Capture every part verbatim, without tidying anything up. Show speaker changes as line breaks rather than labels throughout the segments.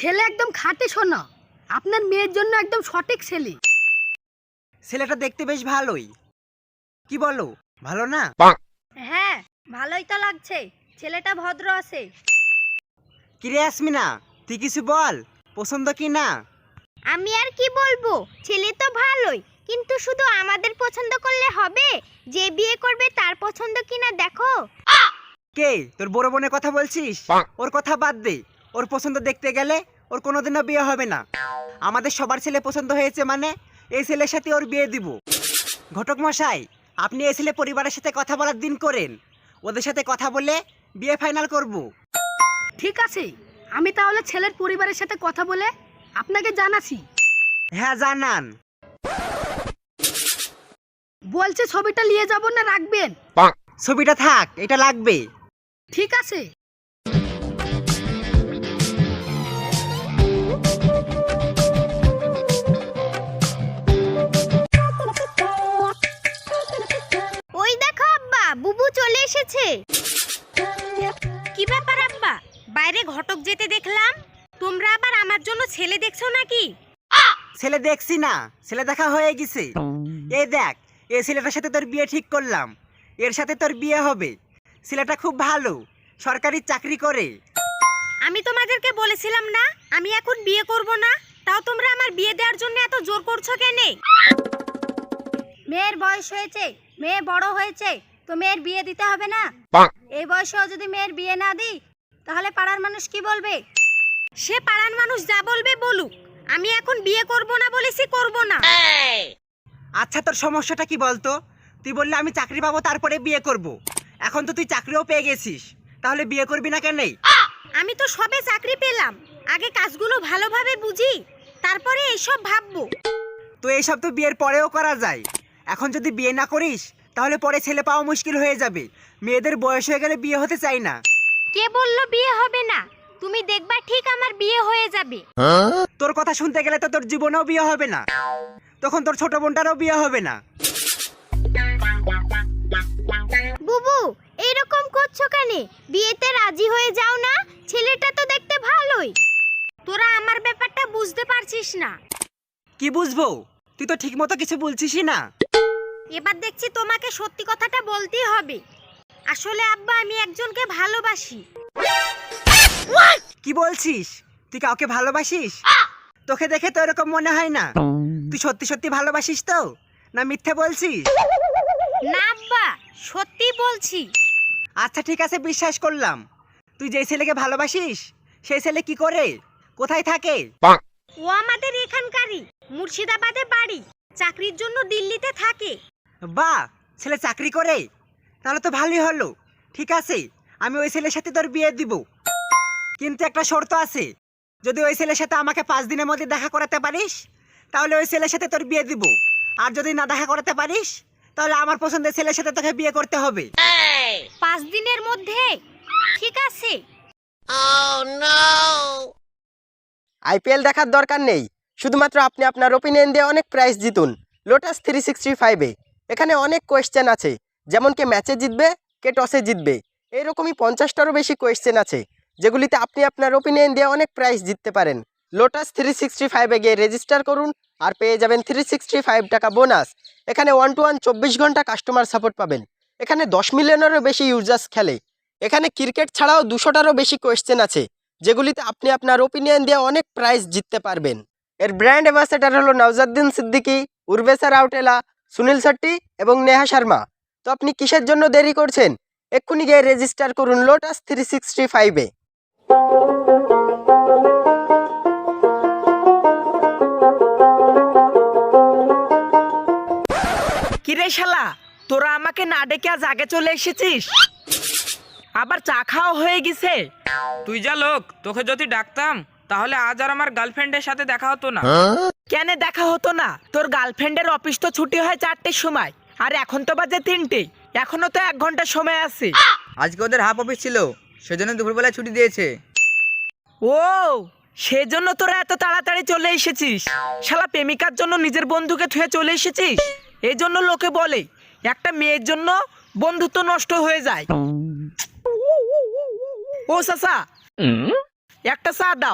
ছেলে একদম খাঁটি সোনা, আপনার মেয়ের জন্য একদম সঠিক ছেলে।
ছেলেটা দেখতে বেশ ভালোই, কি বলো, ভালো না?
হ্যাঁ, ভালোই তো লাগছে, ছেলেটা ভদ্র আছে।
কিরে আসমিনা, তুই কিছু বল, পছন্দ কি না?
আমি আর কি বলবো, ছেলে তো ভালোই, কিন্তু শুধু আমাদের পছন্দ করলে হবে? যে বিয়ে করবে তার পছন্দ কিনা দেখো।
কে তোর বড় বোনের কথা বলছিস? ওর কথা বাদ দে, ওর পছন্দ দেখতে গেলে ওর কোনোদিনও বিয়ে হবে না। আমাদের সবার ছেলে পছন্দ হয়েছে মানে এই ছেলের সাথে ওর বিয়ে দিব। ঘটক মশাই, আপনি এই ছেলে পরিবারের সাথে কথা বলার দিন করেন, ওদের সাথে কথা বলে বিয়ে ফাইনাল করব।
ঠিক আছে, আমি তাহলে ছেলের পরিবারের সাথে কথা বলে আপনাকে জানাচ্ছি।
হ্যাঁ জানান।
বলছে ছবিটা নিয়ে যাব না রাখবেন?
ছবিটা থাক, এটা লাগবে।
ঠিক আছে।
ওই দেখো আব্বা, বুবু চলে এসেছে। কি ব্যাপার আব্বা, বাইরে ঘটক যেতে দেখলাম, তোমরা আবার আমার জন্য ছেলে দেখছো নাকি?
ছেলে দেখছি না, ছেলে দেখা হয়ে গেছে। এই দেখ, এই ছেলেটার সাথে তোর বিয়ে ঠিক করলাম, এর সাথে তোর বিয়ে হবে। ছেলেটা খুব ভালো, সরকারি চাকরি করে।
আমি তোমাদেরকে বলেছিলাম না আমি এখন বিয়ে করব না, তাও তোমরা আমার বিয়ে দেওয়ার জন্য এত জোর করছো কেন? মেয়ের বয়স হয়েছে, মেয়ে বড় হয়েছে, তো মেয়ের বিয়ে দিতে হবে না? এই বয়সেও যদি মেয়ের বিয়ে না দিই তাহলে পাড়ার মানুষ কি বলবে? সে পাড়ার মানুষ যা বলবে বলুক, আমি এখন বিয়ে করব না বলেছি, করব না।
আচ্ছা তোর সমস্যাটা কি বলতো? তুই বললে আমি চাকরি পাবো তারপরে বিয়ে করব, এখন তো তুই চাকরিও পেয়ে গেছিস, তাহলে বিয়ে করবি না কেন?
আমি তো সবে চাকরি পেলাম, আগে কাজগুলো ভালোভাবে বুঝি, তারপরে এইসব ভাববো।
তো এইসব তো বিয়ের পরেও করা যায়। এখন যদি বিয়ে না করিস তাহলে পরে ছেলে পাওয়া মুশকিল হয়ে যাবে। মেয়েদের বয়স হয়ে গেলে বিয়ে হতে চাই না।
কে বললো বিয়ে হবে না? তুমি দেখবা ঠিক আমার বিয়ে হয়ে যাবে।
তোর কথা শুনতে গেলে তো তোর জীবনেও বিয়ে হবে না, তখন তোর ছোট বোনটারও বিয়ে হবে না।
বুবু, এইরকম করছো কেন? বিয়েতে রাজি হয়ে যাও না, ছেলেটা তো দেখতে ভালোই। তোরা আমার ব্যাপারটা বুঝতে পারছিস না।
কি বুঝবো, তুই তো ঠিক মতো কিছু বলছিসই না।
এবার দেখছি তোমাকে সত্যি কথাটা বলতেই হবে। আসলে আব্বা, আমি একজনকে ভালোবাসি।
কি বলছিস? তুই কাউকে ভালোবাসিস? তোকে দেখে তো এরকম মনে হয় না। তুই সত্যি সত্যি ভালোবাসিস তো, না মিথ্যে বলছিস?
না আব্বা, সত্যি বলছি।
আচ্ছা ঠিক আছে, বিশ্বাস করলাম। তুই যেই ছেলেকে ভালোবাসিস সেই ছেলে কি করে, কোথায় থাকে?
ও আমাদের এখানকারই, মুর্শিদাবাদে বাড়ি, চাকরির জন্য দিল্লিতে থাকে।
বাহ, ছেলে চাকরি করে, তাহলে তো ভালোই হলো। ঠিক আছে, আমি ওই ছেলের সাথে তোর বিয়ে দিব, কিন্তু একটা শর্ত আছে। যদি ওই ছেলের সাথে আমাকে পাঁচ দিনের মধ্যে দেখা করাতে পারিস তাহলে ওই ছেলের সাথে তোর বিয়ে দিব, আর যদি না দেখা করাতে পারিস তাহলে আমার পছন্দের ছেলের সাথে তোকে বিয়ে করতে হবে।
পাঁচ দিনের মধ্যে? ঠিক আছে।
আইপিএল দেখার দরকার নেই, শুধুমাত্র আপনি আপনার ওপিনিয়ন দিয়ে অনেক প্রাইজ জিতুন লোটাস থ্রি সিক্সটি ফাইভে। এখানে অনেক কোয়েশ্চেন আছে, যেমন কে ম্যাচে জিতবে, কে টসে জিতবে, এইরকমই পঞ্চাশটারও বেশি কোয়েশ্চেন আছে, যেগুলিতে আপনি আপনার ওপিনিয়ন দিয়ে অনেক প্রাইজ জিততে পারেন। লোটাস থ্রি সিক্সটি ফাইভে গিয়ে রেজিস্টার করুন আর পেয়ে যাবেন থ্রি সিক্সটি ফাইভ টাকা বোনাস। এখানে ওয়ান টু ওয়ান চব্বিশ ঘন্টা কাস্টমার সাপোর্ট পাবেন। এখানে দশ মিলিয়নেরও বেশি ইউজার্স খেলে। এখানে ক্রিকেট ছাড়াও দুশোটারও বেশি কোয়েশ্চেন আছে, যেগুলিতে আপনি আপনার ওপিনিয়ন দিয়ে অনেক প্রাইজ জিততে পারবেন। এর ব্র্যান্ড অ্যাম্বাসেডর হলো নওজাদ্দিন সিদ্দিকী, উর্বেশা রাউটেলা, সুনীল শেট্টি এবং নেহা শর্মা। তো আপনি কিসের জন্য দেরি করছেন? এক্ষুনি গিয়ে রেজিস্টার করুন লোটাস থ্রি সিক্সটি ফাইভে।
কিরে শালা, তোরা আমাকে না ডেকে আজ আগে চলে এসেছিস, আবার চা খাওয়া হয়ে গেছে।
তুই যা লোক, তোকে যদি ডাকতাম তাহলে আজ আর আমার গার্লফ্রেন্ডের সাথে দেখা হতো না।
কেন দেখা হতো না? তোর গার্লফ্রেন্ডের অফিস তো ছুটি হয় চারটের সময়, আর এখন তো বাজে তিনটে, এখনো তো এক ঘন্টা সময় আছে।
আজকে ওদের হাফ অফিস ছিল, সেজন্য দুপুরবেলায় ছুটি দিয়েছে।
ও, সেজন্য তোরা এত তাড়াতাড়ি চলে এসেছিস। শালা প্রেমিকার জন্য নিজের বন্ধুকে থুয়ে চলে এসেছিস। এই জন্য লোকে বলে একটা মেয়ের জন্য বন্ধুত্ব নষ্ট হয়ে যায়। ও চাচা, একটা চা দাও,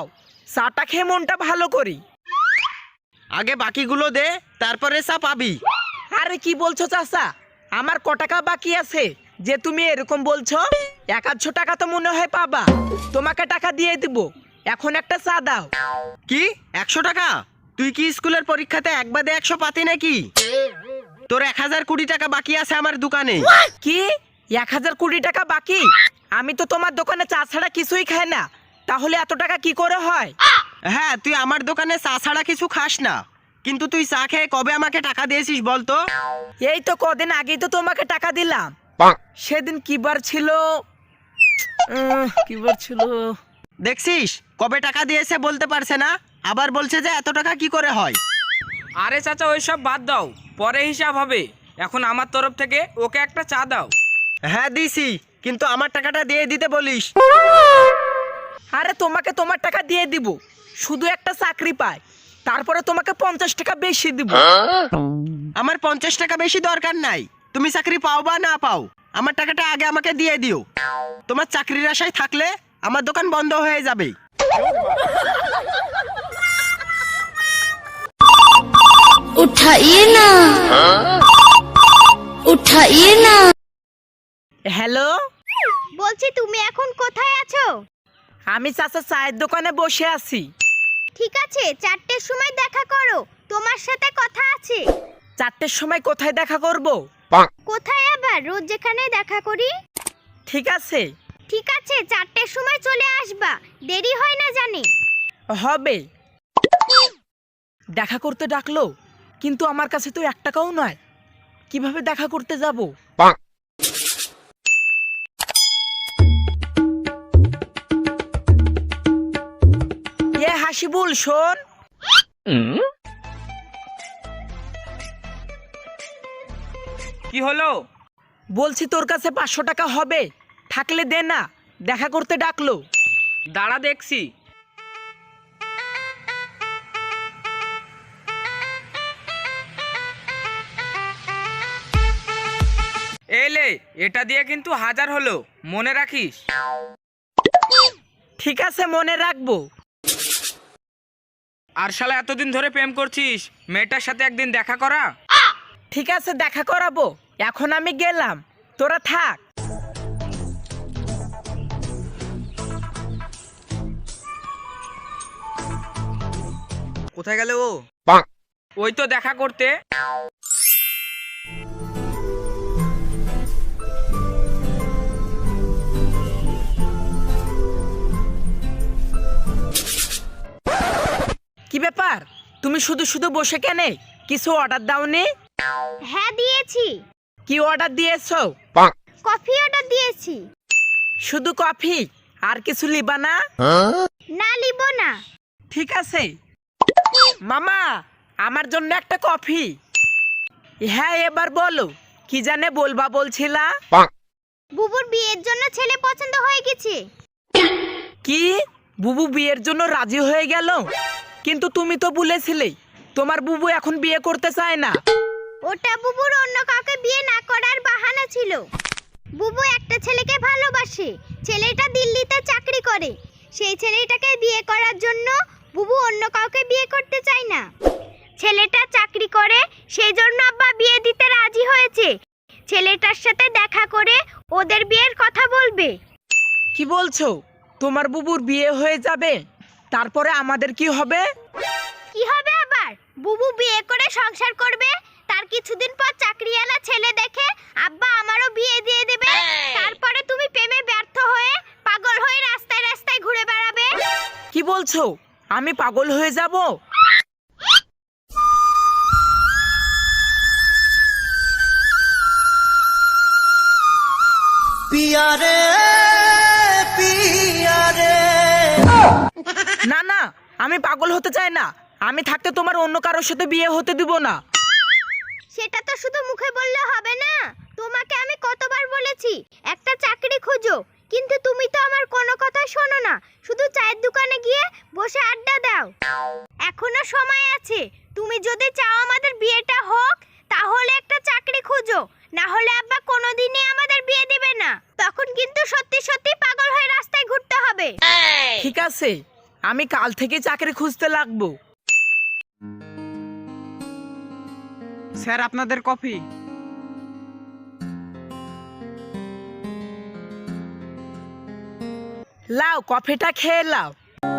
চাটা খেয়ে মনটা ভালো করি।
আগে বাকিগুলো দে, তারপরে চা পাবি।
আরে কি বলছো চাচা, আমার ক টাকা বাকি আছে যে তুমি এরকম বলছো? এক আধশো টাকা তো মনে হয় পাবা, তোমাকে টাকা দিয়ে দিব, এখন একটা চা দাও।
কি একশো টাকা? তুই কি স্কুলের পরীক্ষাতে এক বাদে একশো পাতি নাকি? তোর এক হাজার কুড়ি টাকা বাকি আছে আমার দোকানে।
কি এক হাজার কুড়ি টাকা বাকি? আমি তো তোমার দোকানে চা ছাড়া কিছুই খাই না, তাহলে এত টাকা কি করে হয়?
হ্যাঁ, তুই আমার দোকানে চা ছাড়া কিছু খাস না, কিন্তু তুই চা খেয়ে কবে আমাকে টাকা দিয়েছিস বলতো?
এই তো কদিন আগেই তো তোমাকে টাকা দিলাম। সেদিন কি বার ছিল? উম, কি বার ছিল?
দেখছিস কবে টাকা দিয়েছে বলতে পারছে না, আবার বলছে যে এত টাকা কি করে হয়।
আরে চাচা ওইসব বাদ দাও, পরে হিসাব হবে। এখন আমার তরফ থেকে ওকে একটা চা দাও।
হ্যাঁ দিছি, কিন্তু আমার টাকাটা দিয়ে দিতে বলিস।
আরে তোমাকে তোমার টাকা দিয়ে দিব, শুধু একটা চাকরি পাই, তারপরে তোমাকে পঞ্চাশ টাকা বেশি দিব।
আমার পঞ্চাশ টাকা বেশি দরকার নাই, তুমি চাকরি পাও বা না পাও আমার টাকাটা আগে আমাকে দিয়ে দিও। তোমার চাকরির আশায় থাকলে আমার দোকান বন্ধ হয়ে যাবে।
उठाइए ना उठाइए ना।
হ্যালো,
বলছি তুমি এখন কোথায় আছো?
আমি চাচা চায়ের দোকানে বসে আছি।
ঠিক আছে, চারটের সময় দেখা করো, তোমার সাথে কথা আছে।
চারটের সময় কোথায় দেখা করব?
কোথায় আবার, রোজ যেখানে দেখা করি।
ঠিক আছে
ঠিক আছে, চারটের সময় চলে আসবা, দেরি হয় না জানি।
হবে। দেখা করতে ডাকলো, কিন্তু আমার কাছে তো এক টাকাও নয়, কিভাবে দেখা করতে যাব? এ হাসিবুল শোন।
কি হলো?
বলছি তোর কাছে পাঁচশো টাকা হবে, থাকলে দে না, দেখা করতে ডাকলো।
দাঁড়া দেখছি। এলে এটা দিয়ে কিন্তু হাজার হলো, মনে রাখিস।
ঠিক আছে, মনে রাখবো।
আর শালা এতদিন ধরে প্রেম করছিস, মেয়েটার সাথে একদিন দেখা করা।
ঠিক আছে, দেখা করাবো, এখন আমি গেলাম, তোরা থাক।
কোথায় গেল ও?
ওই তো দেখা করতে।
কি ব্যাপার, তুমি শুধু শুধু বসে কেনে, কিছু অর্ডার দাওনি?
হ্যাঁ দিয়েছি।
কি অর্ডার দিয়েছো?
কফি অর্ডার দিয়েছি।
শুধু কফি, আর কিছু লিবা না?
না লিব না।
ঠিক আছে মামা, আমার জন্য একটা কফি। হ্যাঁ এবার বলো, কি জানে বলবা বলছিলা?
বুবুর বিয়ের জন্য ছেলে পছন্দ হয়ে গেছে।
কি বুবু বিয়ের জন্য রাজি হয়ে গেল? কিন্তু তুমি তো বলেছিলে তোমার বুবু এখন বিয়ে করতে চায় না।
ওটা বুবুর অন্য কাউকে বিয়ে না করার বাহানা ছিল। বুবু একটা ছেলেকে ভালোবাসে, ছেলেটা দিল্লিতে চাকরি করে, সেই ছেলেটাকে বিয়ে করার জন্য বুবু অন্য কাউকে বিয়ে করতে চায় না। ছেলেটা চাকরি করে, সেই জন্য আব্বা বিয়ে দিতে রাজি হয়েছে। ছেলেটার সাথে দেখা করে ওদের বিয়ের কথা বলবে।
কি বলছো, তোমার বুবুর বিয়ে হয়ে যাবে, তারপরে আমাদের কি হবে?
কি হবে আবার, বুবু বিয়ে করে সংসার করবে, তার কিছুদিন পর চাকরিওয়ালা ছেলে দেখে আব্বা আমারও বিয়ে দিয়ে দেবে, তারপরে তুমি প্রেমে ব্যর্থ হয়ে পাগল হয়ে রাস্তায় রাস্তায় ঘুরে বেড়াবে।
কি বলছো, আমি পাগল হয়ে যাব? না না, আমি পাগল হতে চাই না, আমি থাকতে তোমার অন্য কারোর সাথে বিয়ে হতে দিব না।
সেটা তো শুধু মুখে বললে হবে না, তোমাকে আমি কতবার বলেছি একটা চাকরি খোঁজো, কিন্তু তুমি তো আমার কোনো কথা শোনো না, শুধু চায়ের দোকানে গিয়ে বসে আড্ডা দাও। এখনো সময় আছে, তুমি যদি চাও আমাদের বিয়েটা হোক, তাহলে একটা চাকরি খোঁজো, না হলে আব্বা কোনোদিনই আমাদের বিয়ে দেবে না, তখন কিন্তু সত্যি সত্যি পাগল হয়ে রাস্তায় ঘুরতে হবে।
ঠিক আছে, আমি কাল থেকে চাকরি খুঁজতে লাগবো।
স্যার আপনাদের কফি।
লাও কফিটা খেয়ে লাও।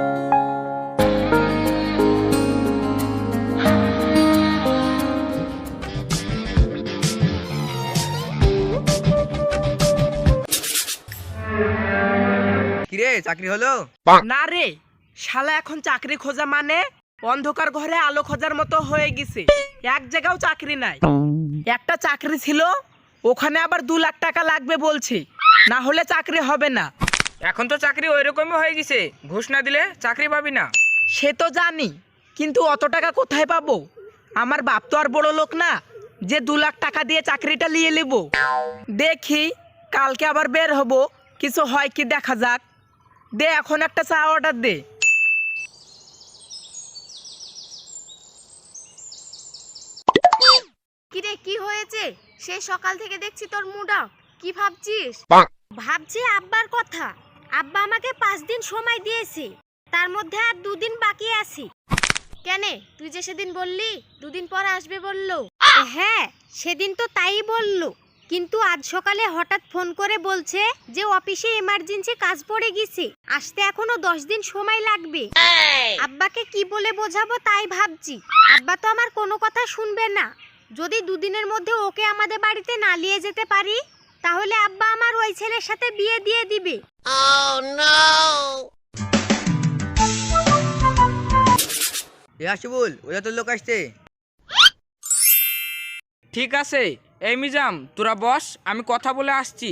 কিরে চাকরি হলো?
না রে, শালা এখন চাকরি খোঁজা মানে অন্ধকার ঘরে আলো খোঁজার মতো হয়ে গেছে। এক জায়গাও চাকরি নাই। একটা চাকরি ছিল, ওখানে আবার দু লাখ টাকা লাগবে বলছে, না হলে চাকরি হবে না।
এখন তো চাকরি ওই রকমই হয়ে গেছে, ঘুষ না দিলে চাকরি পাবি না।
সে তো জানি, কিন্তু অত টাকা কোথায় পাবো? আমার বাপ তো আর বড় লোক না যে দু লাখ টাকা দিয়ে চাকরিটা নিয়ে নেব। দেখি কালকে আবার বের হব, কিছু হয় কি দেখা যাক। দে এখন একটা চা অর্ডার দে।
কিরে কি হয়েছে? সে সকাল থেকে দেখছি তোর মুড অফ। কি ভাবছিস? ভাবছি আব্বার কথা। আব্বা আমাকে পাঁচ দিন সময় দিয়েছে, তার মধ্যে আর দুদিন বাকি আছে। কেনে, তুই যে সেদিন বললি দুদিন পর আসবে বললো। হ্যাঁ, সেদিন তো তাই বললো, কিন্তু আজ সকালে হঠাৎ ফোন করে বলছে যে অফিসে এমার্জেন্সি কাজ পড়ে গেছে, আসতে এখনো দশ দিন সময় লাগবে। আব্বাকে কি বলে বোঝাবো তাই ভাবছি। আব্বা তো আমার কোনো কথা শুনবে না। যদি দুদিনের মধ্যে ওকে আমাদের বাড়িতে না নিয়ে যেতে পারি, তাহলে আব্বা আমার ওই ছেলের সাথে বিয়ে দিয়ে দিবে।
এ হাসিবুল, ওরা তোর লোক আসছে।
ঠিক আছে, এই মিজাম তোরা বস, আমি কথা বলে আসছি।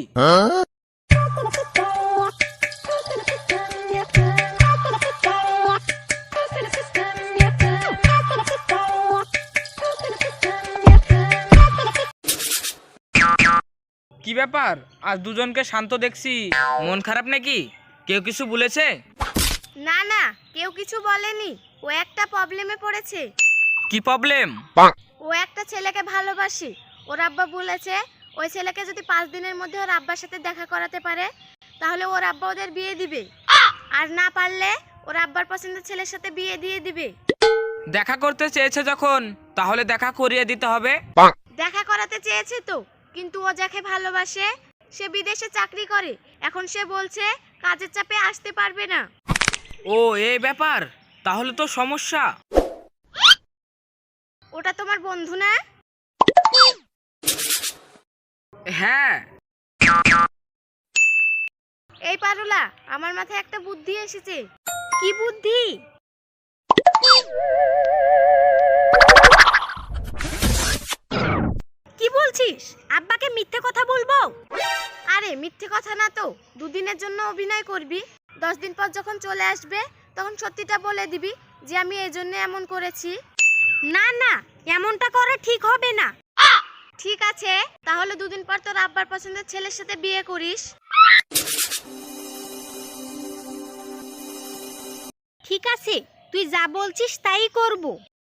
কি ব্যাপার, আজ দুজনকে শান্ত দেখছি, মন খারাপ নাকি? কেউ কিছু বলেছে?
না না, কেউ কিছু বলেনি। ও একটা প্রবলেমে পড়েছে।
কি প্রবলেম?
ও একটা ছেলেকে ভালোবাসে। ওর আব্বা বলেছে ওই ছেলেকে যদি পাঁচ দিনের মধ্যে ওর আব্বার সাথে দেখা করাতে পারে, তাহলে ওর আব্বা ওদের বিয়ে দিবে, আর না পারলে ওর আব্বার পছন্দের ছেলের সাথে বিয়ে দিয়ে দিবে।
দেখা করতে চেয়েছে যখন, তাহলে দেখা করিয়ে দিতে হবে।
দেখা করাতে চেয়েছে তো, কিন্তু ও যাকে ভালোবাসে সে বিদেশে চাকরি করে। এখন সে বলছে কাজের চাপে আসতে পারবে না।
ও এই ব্যাপার, তাহলে তো সমস্যা।
ওটা তোমার বন্ধু না?
হ্যাঁ।
এই পারুলা, আমার মাথায় একটা বুদ্ধি এসেছে। কি বুদ্ধি? কি বলছিস? আব্বাকে মিথ্যে কথা বলবো? আরে মিথ্যে কথা না তো, দুদিনের জন্য অভিনয় করবি। দশ দিন পর যখন চলে আসবে তখন সত্যিটা বলে দিবি যে আমি এই জন্য এমন করেছি। না না, এমনটা করে ঠিক হবে না। ঠিক আছে, তাহলে দুদিন পর তোর আব্বার পছন্দের ছেলের সাথে বিয়ে করিস। ঠিক আছে, তুই যা বলছিস তাই করব।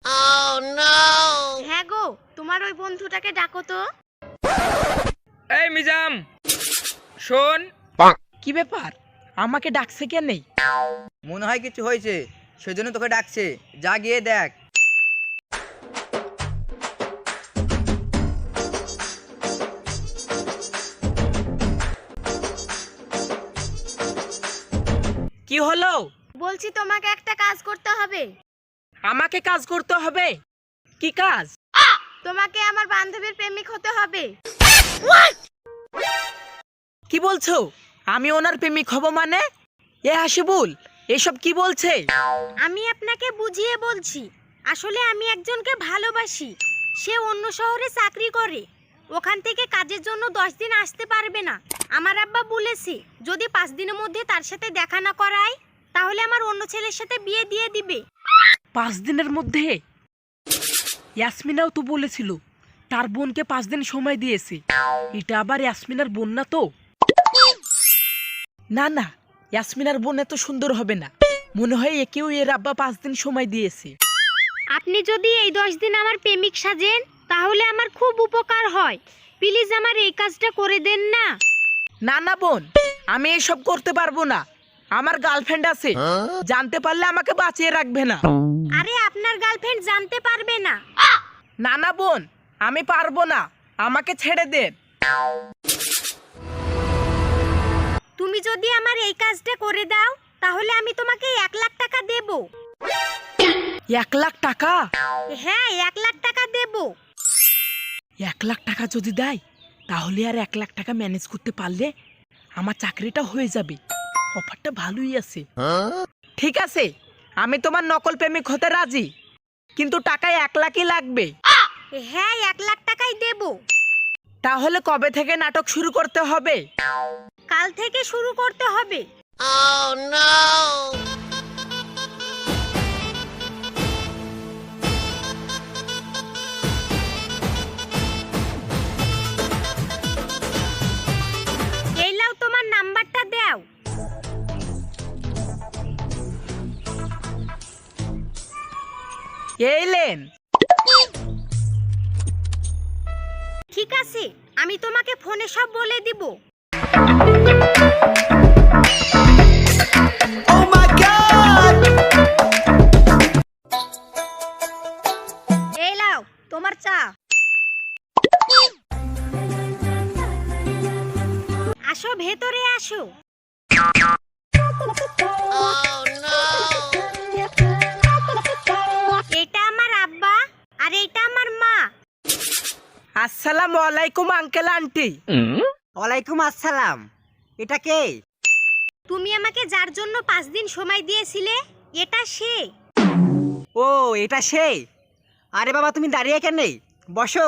হ্যাঁ গো, তোমার ওই বন্ধুটাকে ডাকো তো।
এই মিজাম শোন।
কি ব্যাপার, আমাকে ডাকছে কেন?
মনে হয় কিছু হয়েছে, সেজন্য তোকে ডাকছে। যা গিয়ে দেখ।
কি হলো?
বলছি তোমাকে একটা কাজ করতে হবে।
আমাকে কাজ করতে হবে? কি কাজ?
তোমাকে আমার বান্ধবীর প্রেমিক হতে হবে।
কি বলছো? আমি ওনার প্রেমিক হব মানে? এ হাসিবুল, এসব কি বলছে?
আমি আপনাকে বুঝিয়ে বলছি। আসলে আমি একজনকে ভালোবাসি। সে অন্য শহরে চাকরি করে, ওখান থেকে কাজের জন্য দশ দিন আসতে পারবে না। আমার আব্বা বলেছে যদি পাঁচ দিনের মধ্যে তার সাথে দেখা না করায়, তাহলে আমার অন্য ছেলের সাথে বিয়ে দিয়ে দিবে।
পাঁচ দিনের মধ্যে? ইয়াসমিনাও তো বলেছিল তার বোনকে পাঁচ দিন সময় দিয়েছে। এটা আবার ইয়াসমিনার বোন না তো? না না, ইয়াসমিনার বোন এত সুন্দর হবে না। মনে হয় একেও এর আব্বা পাঁচ দিন সময় দিয়েছে।
আপনি যদি এই দশ দিন আমার প্রেমিক সাজেন, তাহলে আমার খুব উপকার হয়। প্লিজ আমার এই কাজটা করে দেন না।
না না বোন, আমি এসব করতে পারবো না। আমার গার্লফ্রেন্ড আছে, জানতে পারলে আমাকে বাঁচিয়ে রাখবে না।
আরে আপনার গার্লফ্রেন্ড জানতে পারবে না।
না না বোন, আমি পারবো না, আমাকে ছেড়ে দেন।
তুমি যদি আমার এই কাজটা করে দাও তাহলে আমি তোমাকে এক লাখ টাকা দেব।
এক লাখ টাকা?
হ্যাঁ, এক লাখ টাকা দেব।
এক লাখ টাকা যদি দেয় তাহলে আর এক লাখ টাকা ম্যানেজ করতে পারলে আমার চাকরিটা হয়ে যাবে। অফারটা ভালোই আছে। ঠিক আছে, আমি তোমার নকল প্রেমিক হতে রাজি, কিন্তু টাকা এক লাখই লাগবে।
হ্যাঁ, এক লাখ টাকাই দেব।
তাহলে কবে থেকে নাটক শুরু করতে হবে?
কাল থেকে শুরু করতে হবে। এই নাও, তোমার নাম্বারটা দাও।
এই লেন।
ঠিক আছে, আমি তোমাকে ফোনে সব বলে দিব। এই নাও তোমার চা। আসো, ভেতরে আসো। এটা আমার আব্বা আর এটা আমার মা।
আসসালামু আলাইকুম আঙ্কেল আন্টি।
ওয়ালাইকুম আসসালাম। এটা কে?
তুমি আমাকে যার জন্য পাঁচ দিন সময় দিয়েছিলে, এটা সে।
ও, এটা সে। আরে বাবা, তুমি দাঁড়িয়ে কেন? বসো।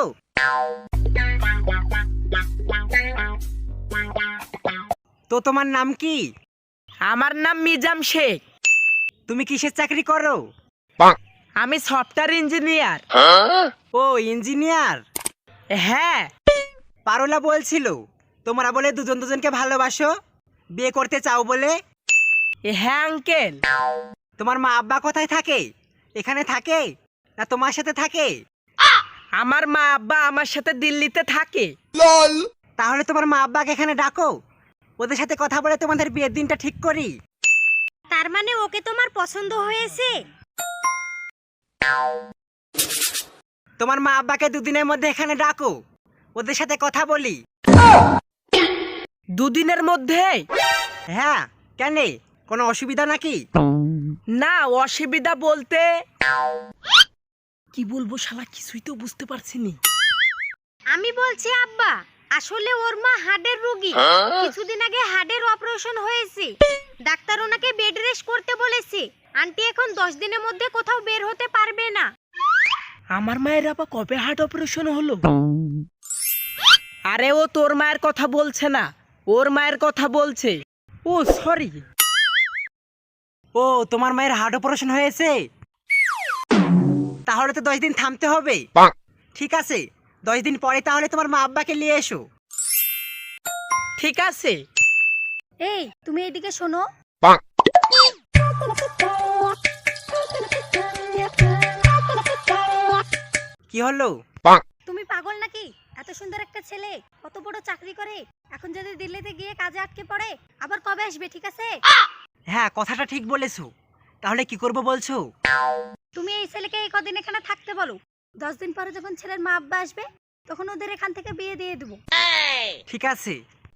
তো তোমার নাম কি?
আমার নাম মিজাম শেখ।
তুমি কিসের চাকরি করো?
আমি সফটওয়্যার ইঞ্জিনিয়ার।
ও, ইঞ্জিনিয়ার।
হ্যাঁ।
পারোলা বলছিল তোমরা বলে দুজন দুজনকে ভালোবাসো, বিয়ে করতে চাও বলে।
হ্যাঁ আঙ্কেল।
তোমার মা আব্বা কোথায় থাকে? এখানে থাকে না তোমার সাথে থাকে?
আমার মা আব্বা আমার সাথে দিল্লিতে থাকে।
তাহলে তোমার মা আব্বাকে এখানে ডাকো, ওদের সাথে কথা বলে তোমাদের বিয়ের দিনটা ঠিক করি।
তার মানে ওকে তোমার পছন্দ হয়েছে?
তোমার মা আব্বাকে দুদিনের মধ্যে এখানে ডাকো, ওদের সাথে কথা বলি।
দুদিনের মধ্যে?
হ্যাঁ, কেন? কোনো অসুবিধা নাকি?
না, অসুবিধা বলতে কি বলবো শালা, কিছুই তো বুঝতে পারছি নি।
আমি বলছি আব্বা, আসলে ওর মা হার্টের রোগী। কিছুদিন আগে হার্টের অপারেশন হয়েছে, ডাক্তার ওনাকে বেড রেস্ট করতে বলেছে। আন্টি এখন দশ দিনের মধ্যে কোথাও বের হতে পারবে না।
আমার মায়ের আবার কবে হার্ট অপারেশন হলো? আরে ও তোর মায়ের কথা বলছে না, ওর মায়ের কথা বলছে। ও সরি।
ও, তোমার মায়ের হার্ট অপারেশন হয়েছে? তাহলে তো দশ দিন থামতে হবে। ঠিক আছে, দশ দিন পরে তাহলে তোমার মা আব্বাকে নিয়ে এসো।
ঠিক আছে।
এই, তুমি এদিকে শোনো।
কি হলো?
তুমি পাগল নাকি? এত সুন্দর একটা ছেলে, কত বড় চাকরি করে, এখন যদি দিল্লিতে গিয়ে কাজে আটকে পড়ে, আবার কবে আসবে? ঠিক আছে?
হ্যাঁ, কথাটা ঠিক বলেছো। তাহলে কি করব বলছো?
তুমি এই ছেলেকে এই কদিন এখানে থাকতে বলো। দশ দিন পরে যখন ছেলের মা আব্বা আসবে তখন ওদের এখান থেকে বিয়ে দিয়ে দেবো।
ঠিক আছে।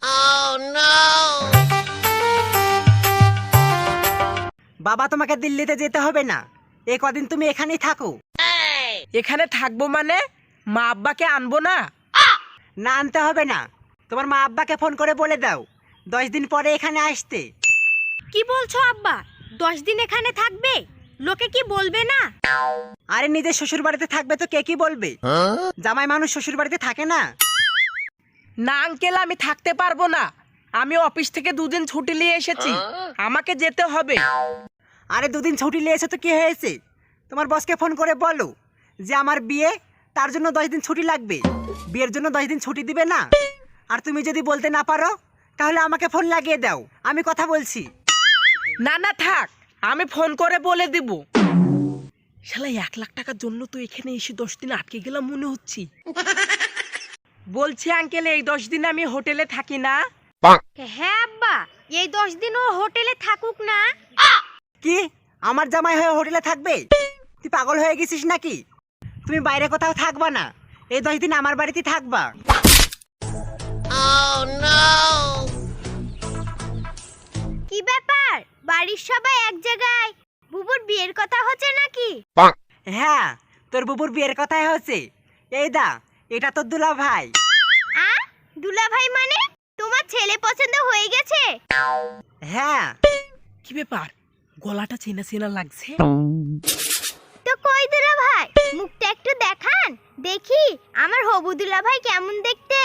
বাবা, তোমাকে দিল্লিতে যেতে হবে না, এই কদিন তুমি এখানেই থাকো।
এখানে থাকবো মানে মা আব্বাকে আনবো না?
না, আনতে হবে না। তোমার মা আব্বাকে ফোন করে বলে দাও দশ দিন পরে এখানে আসতে।
কি বলছো আব্বা? দশ দিন এখানে থাকবে? লোকে কি বলবে না?
আরে, নিজের শ্বশুর বাড়িতে থাকবে তো কে কি বলবে? জামাই মানুষ শ্বশুর বাড়িতে থাকে না?
না আঙ্কেল, আমি থাকতে পারবো না। আমি অফিস থেকে দুদিন ছুটি নিয়ে এসেছি, আমাকে যেতে হবে।
আরে, দুদিন ছুটি নিয়ে এসে তো কি হয়েছে? তোমার বসকে ফোন করে বলো যে আমার বিয়ে, তার জন্য দশ দিন ছুটি লাগবে। বিয়ের জন্য দশ দিন ছুটি দিবে না? আর তুমি যদি বলতে না পারো তাহলে আমাকে ফোন লাগিয়ে দাও, আমি কথা বলছি।
না না থাক, আমি ফোন করে বলে দিব। শালা এক লাখ টাকার জন্য তো এখানে এসে দশ দিন আটকে গেলাম মনে হচ্ছে। বলছি আঙ্কেল, এই দশ দিন আমি হোটেলে থাকি না,
হ্যাঁ আব্বা, এই দশ দিন ও হোটেলে থাকুক না।
কি আমার জামাই হয়ে হোটেলে থাকবে? তুই পাগল হয়ে গেছিস নাকি? তুমি বাইরে কোথাও থাকবা না, এই দশ দিন আমার বাড়িতে থাকবা।
কি ব্যাপার, বাড়ির সবাই এক জায়গায়? বুবুর বিয়ের কথা হচ্ছে নাকি?
হ্যাঁ, তোর বুবুর বিয়ের কথাই হচ্ছে। এই দা, এটা তোর দুলা ভাই।
আ দুলা ভাই মানে? তোমার ছেলে পছন্দ হয়ে গেছে?
হ্যাঁ।
কি ব্যাপার, গলাটা চেনা চেনা লাগছে।
তো কই দুলা ভাই, মুখটা একটু দেখান দেখি আমার হবু দুলা ভাই কেমন দেখতে।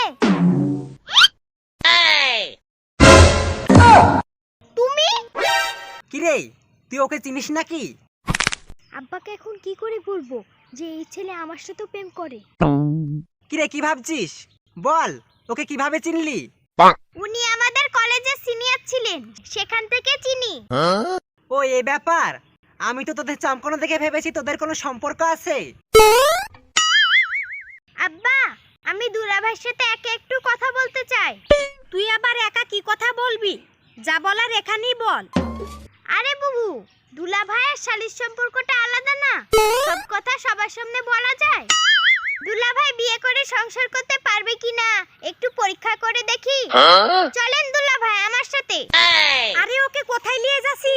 তুমি?
কি রে, তুই ওকে চিনিস নাকি?
আব্বাকে এখন কি করে বলবো যে এই ছেলে আমার সাথে প্রেম করে?
কি রে, কি ভাবছিস? বল, ওকে কিভাবে চিনলি?
উনি আমাদের কলেজের সিনিয়র ছিলেন, সেখান থেকে চিনি।
ও এই ব্যাপার। আমি তো তোদের চমকানো দেখে ভেবেছি তোদের কোনো সম্পর্ক আছে।
আব্বা, আমি দুলা ভাইয়ের সাথে একা একটু কথা বলতে চাই। তুই আবার একা কি কথা বলবি? যা বলার এখানেই বল। আরে বুবু, দুলা ভাইয়ের শালীর সম্পর্কটা আলাদা না, সব কথা সবার সামনে বলা যায়। দুলা ভাই বিয়ে করে সংসার করতে পারবে কিনা একটু পরীক্ষা করে দেখি। চলেন দুলা ভাই আমার সাথে। আরে ওকে কোথায় নিয়ে যাচ্ছি?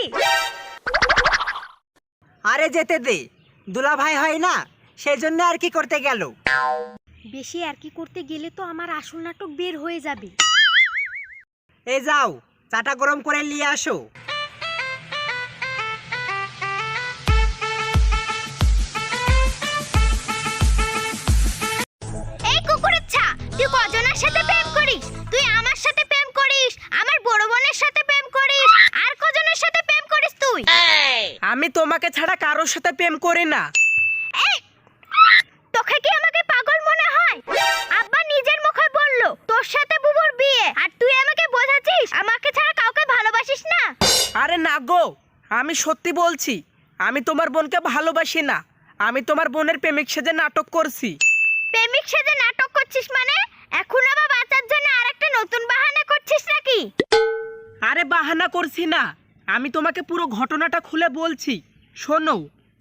আরে যেতে দে, দুলা ভাই হয় না, সেই জন্য আর কি করতে গেল।
বেশি আর কি করতে গেলে তো আমার আসল নাটক বের হয়ে যাবে।
এই যাও, চাটা গরম করে নিয়ে আসো।
এই কুকুরচ্ছা, তুই কজনের সাথে প্রেম করিস? তুই আমার সাথে প্রেম করিস, আমার বড় বোনের সাথে প্রেম করিস, আর কজনের সাথে প্রেম করিস তুই?
আমি তোমাকে ছাড়া কারোর সাথে প্রেম করি না।
এই, তোকে কি আমাকে পাগল মনে হয়? আব্বা নিজের মুখে বললো তোর সাথে বুবুর বিয়ে, আর তুই আমাকে বোঝাচ্ছিস আমাকে ছাড়া কাউকে ভালোবাসিস না।
আরে না গো, আমি সত্যি বলছি, আমি তোমার বোনকে ভালোবাসি না। আমি তোমার বোনের প্রেমিক সেজে নাটক করছি।
প্রেমিক সেজে নাটক করছিস মানে? এখন আবার বাঁচার জন্য আরেকটা নতুন বাহানা করছিস নাকি?
আরে বাহানা করছি না, আমি তোমাকে পুরো ঘটনাটা খুলে বলছি, শোনো।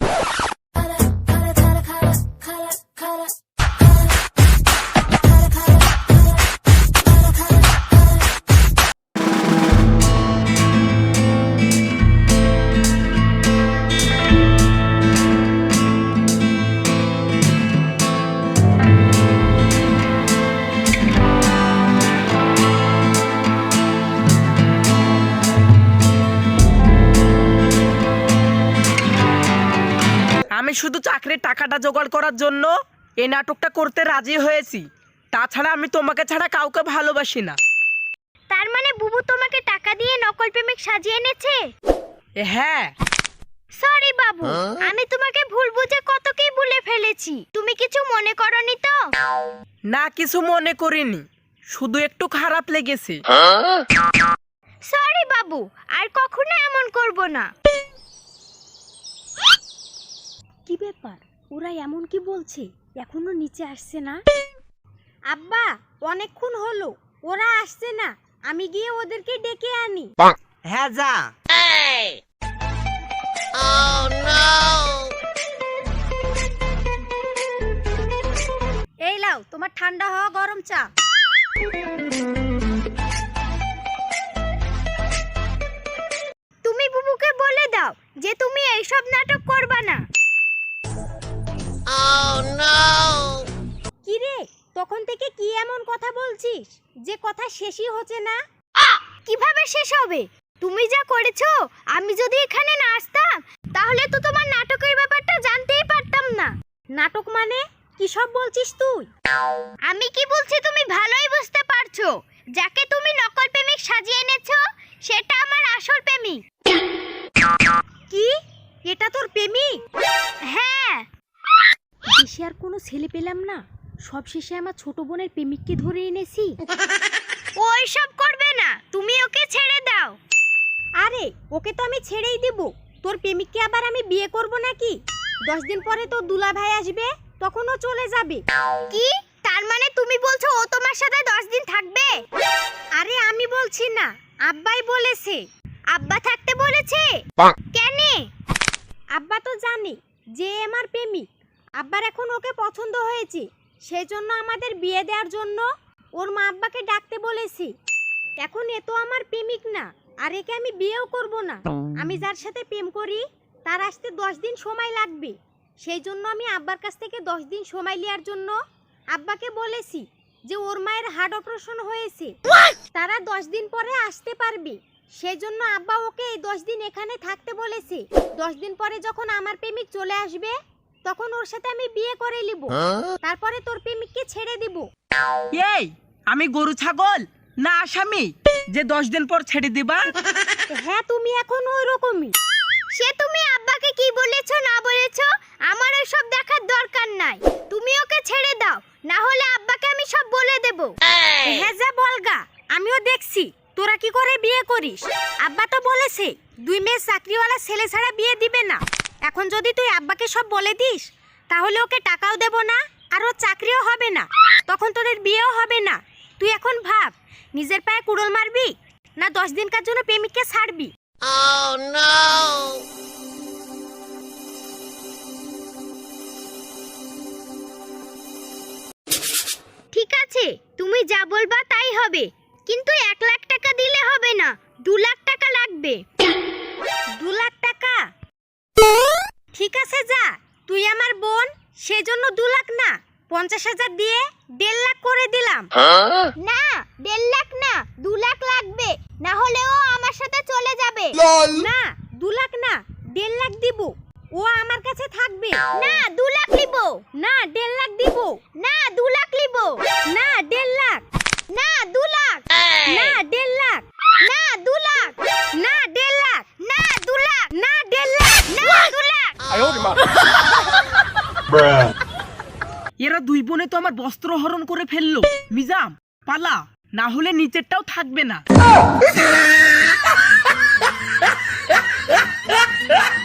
আমি শুধু চাকরির টাকাটা জোগাড় করার জন্য এই নাটকটা করতে রাজি হয়েছি। তাছাড়া আমি তোমাকে ছাড়া কাউকে ভালোবাসি না।
তার মানে বুবু তোমাকে টাকা দিয়ে নকল প্রেমিক সাজিয়ে এনেছে?
এ হ্যাঁ।
সরি বাবু, আমি তোমাকে ভুল বুঝে কত কি বলে ফেলেছি। তুমি কিছু মনে করনি তো?
না, কিছু মনে করিনি, শুধু একটু খারাপ লেগেছে।
সরি বাবু, আর কখনো এমন করব না। কি ব্যাপার, ওরা এমন কি বলছে? এখনো নিচে আসছে না? আব্বা, অনেকক্ষণ হলো, ওরা আসছে না, আমি গিয়ে ওদেরকে ডেকে আনি।
হ্যাঁ যা।
এই লাও তোমার ঠান্ডা হওয়া গরম চা। তুমি বুবুকে বলে দাও যে তুমি এইসব নাটক করবা না। কি রে, তখন থেকে কি এমন কথা বলছিস যে কথা শেষই হচ্ছে না? কিভাবে শেষ হবে? তুমি যা করেছো, আমি যদি এখানে না আসতাম তাহলে তো তোমার নাটকের ব্যাপারটা জানতেই পারতাম না। নাটক মানে কি সব বলছিস তুই? আমি কি বলছি তুমি ভালোই বুঝতে পারছো। যাকে তুমি নকল প্রেমিক সাজিয়ে এনেছো সেটা আমার আসল প্রেমিক। কি? এটা তোর প্রেমিক? হ্যাঁ। দেশে আর কোনো ছেলে পেলাম না, সব শেষে আমার ছোট বোনের প্রেমিককে ধরে এনেছি। ওই সব করবে না, তুমি ওকে ছেড়ে দাও। আরে ওকে তো আমি ছেড়েই দেব, তোর প্রেমিককে আবার আমি বিয়ে করব নাকি? দশ দিন পরে তো দুলা ভাই আসবে, তখন ও চলে যাবে। কি? তার মানে তুমি বলছো ও তোমার সাথে দশ দিন থাকবে? আরে আমি বলছি না, আব্বাই বলেছে। আব্বা থাকতে বলেছে? কেন? আব্বা তো জানে যে এ আমার প্রেমিক। আব্বার এখন ওকে পছন্দ হয়েছে, সেই জন্য আমাদের বিয়ে দেওয়ার জন্য ওর মা আব্বাকে ডাকতে বলেছি। এখন এ তো আমার প্রেমিক না, আর একে আমি বিয়েও করব না। আমি যার সাথে প্রেম করি তার আসতে দশ দিন সময় লাগবে, সেই জন্য আমি আব্বার কাছ থেকে দশ দিন সময় নেওয়ার জন্য আব্বাকে বলেছি যে ওর মায়ের হার্ট অপারেশন হয়েছে, তারা দশ দিন পরে আসতে পারবে। সেই জন্য আব্বা ওকে এই দশ দিন এখানে থাকতে বলেছে। দশ দিন পরে যখন আমার প্রেমিক চলে আসবে তখন ওর সাথে আমি বিয়ে করে নিব, তারপরে তোর প্রেমিককে ছেড়ে দিব।
এই আমি গরু ছাগল না আসামি যে দশ দিন পর ছেড়ে দিবা?
হ্যাঁ তুমি এখন ওই রকমই। সে তুমি আব্বাকে কি বলেছো না বলেছো আমার ওইসব দেখার দরকার নাই, তুমি ওকে ছেড়ে দাও, না হলে আব্বাকে আমি সব বলে দেব। হ্যাঁ যা বলগা, আমিও দেখছি তোরা কি করে বিয়ে করিস। আব্বা তো বলেছে দুই মেয়ে চাকরিওয়ালা ছেলে ছাড়া বিয়ে দিবে না। এখন যদি তুই আব্বাকে সব বলে দিস তাহলে ওকে টাকাও দেব না আর ওর চাকরিও হবে না, তখন তোদের বিয়েও হবে না। তুই এখন ভাব, নিজের পায়ে কুড়োল মারবি না দশ দিনকার জন্য প্রেমিককে ছাড়বি। ঠিক আছে, তুমি যা বলবা তাই হবে, কিন্তু এক লাখ টাকা দিলে হবে না, দু লাখ টাকা লাগবে। দু লাখ টাকা? ঠিক আছে যা, তুই আমার বোন, সেজন্য দু লাখ না পঞ্চাশ হাজার দিয়ে দেড় লাখ করে দিলাম। না দেড় লাখ না, দু লাখ লাগবে, না হলে ও আমার সাথে চলে যাবে। না দু লাখ না, দেড় লাখ দিব, ও আমার কাছে থাকবে। না দু লাখ নিব। না দেড় লাখ দিব। না দু লাখ নিব। না দেড় লাখ। না দু লাখ। না দেড় লাখ। না দু লাখ। না দেড় লাখ। না দু লাখ। না দেড় লাখ। না দু লাখ।
এরা দুই বোনে তো আমার বস্ত্র হরণ করে ফেললো। মিজাম পালা, না হলে নিচেরটাও থাকবে না।